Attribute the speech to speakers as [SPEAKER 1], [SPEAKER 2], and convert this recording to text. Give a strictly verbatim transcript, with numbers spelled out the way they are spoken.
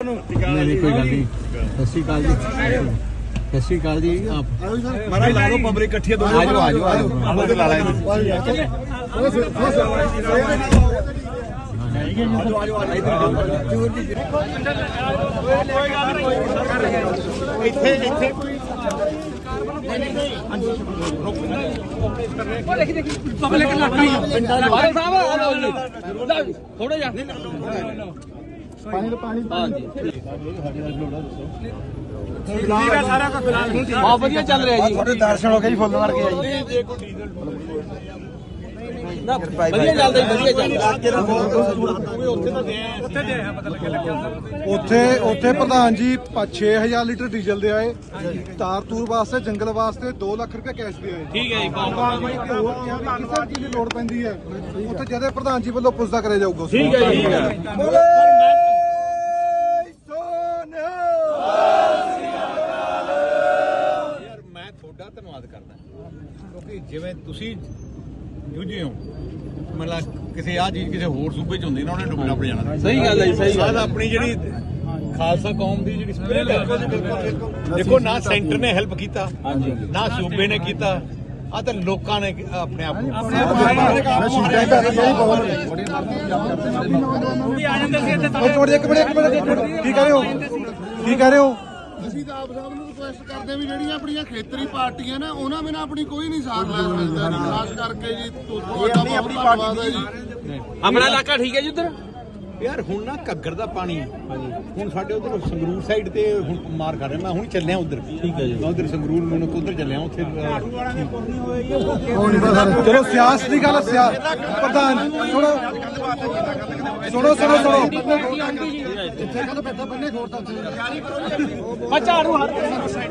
[SPEAKER 1] नहीं नहीं कोई गल नहीं। सत श्री अकाल जी, सत श्री अकाल जी। आप
[SPEAKER 2] महाराज ला दो पब्लिक इकट्ठी है, दो
[SPEAKER 1] आ जाओ आ जाओ आ जाओ
[SPEAKER 2] हम ला लाए
[SPEAKER 3] थोड़ा जा
[SPEAKER 2] पानी तो पानी
[SPEAKER 3] बहुत बढ़िया चल रहा जी।
[SPEAKER 2] थोड़े दर्शन हो गए जी फुੱਲ मार के आई
[SPEAKER 3] ना बढ़िया चलदा जी, बढ़िया
[SPEAKER 4] ਉੱਥੇ ਉੱਥੇ ਪ੍ਰਧਾਨ ਜੀ ਛੇ ਹਜ਼ਾਰ ਲੀਟਰ ਡੀਜ਼ਲ ਦੇ ਆਏ, ਤਾਰ ਤੂਰ ਵਾਸਤੇ ਜੰਗਲ ਵਾਸਤੇ ਦੋ ਲੱਖ ਰੁਪਏ ਕੈਸ਼ ਦੇ ਆਏ।
[SPEAKER 3] ठीक है जी।
[SPEAKER 4] ਹੋਰ ਕਿਸੇ ਚੀਜ਼ ਦੀ ਲੋੜ ਪੈਂਦੀ ਹੈ ਉੱਥੇ ਜਦੇ ਪ੍ਰਧਾਨ ਜੀ ਵੱਲੋਂ ਪੁੱਛਦਾ ਕਰਿਆ ਜਾਊਗਾ।
[SPEAKER 3] ठीक है ठीक है।
[SPEAKER 2] ਯਾਰ ਮੈਂ ਤੁਹਾਡਾ ਧੰਨਵਾਦ ਕਰਦਾ ਕਿਉਂਕਿ ਜਿਵੇਂ ਤੁਸੀਂ ਜੂਝੇ ਹੋ, ਮਤਲਬ ਕਿਸੇ ਆ ਚੀਜ਼ ਕਿਸੇ ਹੋਰ ਸੂਬੇ ਚ ਹੁੰਦੀ ਨਾ ਉਹਨੇ ਡੁੱਬਣਾ ਪੜ ਜਾਣਾ।
[SPEAKER 3] सही गल है, सही गल
[SPEAKER 2] ਸਾਡਾ ਆਪਣੀ ਜਿਹੜੀ ਖਾਲਸਾ ਕੌਮ ਦੀ ਜਿਹੜੀ ਸਪਿਰਿਟ ਹੈ, ਦੇਖੋ ਨਾ ਸੈਂਟਰ ਨੇ ਹੈਲਪ ਕੀਤਾ ਨਾ ਸੂਬੇ ਨੇ ਕੀਤਾ, ਆ ਤਾਂ ਲੋਕਾਂ ਨੇ ਆਪਣੇ ਆਪ ਨੂੰ
[SPEAKER 4] ਇੱਕ ਮਿੰਟ ਇੱਕ ਮਿੰਟ ਕੀ ਕਹਿ ਰਹੇ ਹੋ ਕੀ ਕਹਿ ਰਹੇ ਹੋ?
[SPEAKER 5] ਅਸੀਂ ਤਾਂ ਆਪ ਸਾਹਿਬ ਨੂੰ ਰਿਕੁਐਸਟ ਕਰਦੇ ਹਾਂ ਵੀ ਜਿਹੜੀਆਂ ਆਪਣੀਆਂ ਖੇਤਰੀ ਪਾਰਟੀਆਂ ਨੇ ਉਹਨਾਂ ਬਿਨਾਂ ਆਪਣੀ ਕੋਈ ਨਹੀਂ ਸਾਥ ਲੈ ਸਕਦਾ ਜੀ। ਖਾਸ ਕਰਕੇ ਜੀ ਤੁਹਾਡਾ ਬਹੁਤ ਧੰਨਵਾਦ ਹੈ ਜੀ।
[SPEAKER 3] अपना इलाका ठीक है जी उधर।
[SPEAKER 2] ਯਾਰ ਹੁਣ ਨਾ ਘੱਗਰ ਦਾ ਪਾਣੀ ਹੁਣ ਸਾਡੇ ਉਧਰ ਸੰਗਰੂਰ ਸਾਈਡ ਤੇ ਹੁਣ ਮਾਰ ਕਰ ਰਿਹਾ। ਮੈਂ ਹੁਣ ਚੱਲਿਆ ਉਧਰ, ਠੀਕ ਹੈ ਜੀ, ਮੈਂ ਉਧਰ ਸੰਗਰੂਰ ਮੈਨੂੰ ਉਧਰ ਚੱਲਿਆ ਉੱਥੇ।
[SPEAKER 4] ਚਲੋ ਸਿਆਸਤ ਦੀ ਗੱਲ ਸਿਆ ਪ੍ਰਧਾਨ ਸੁਣੋ ਸੁਣੋ ਸੁਣੋ ਸੁਣੋ
[SPEAKER 3] मैं झाड़ू हर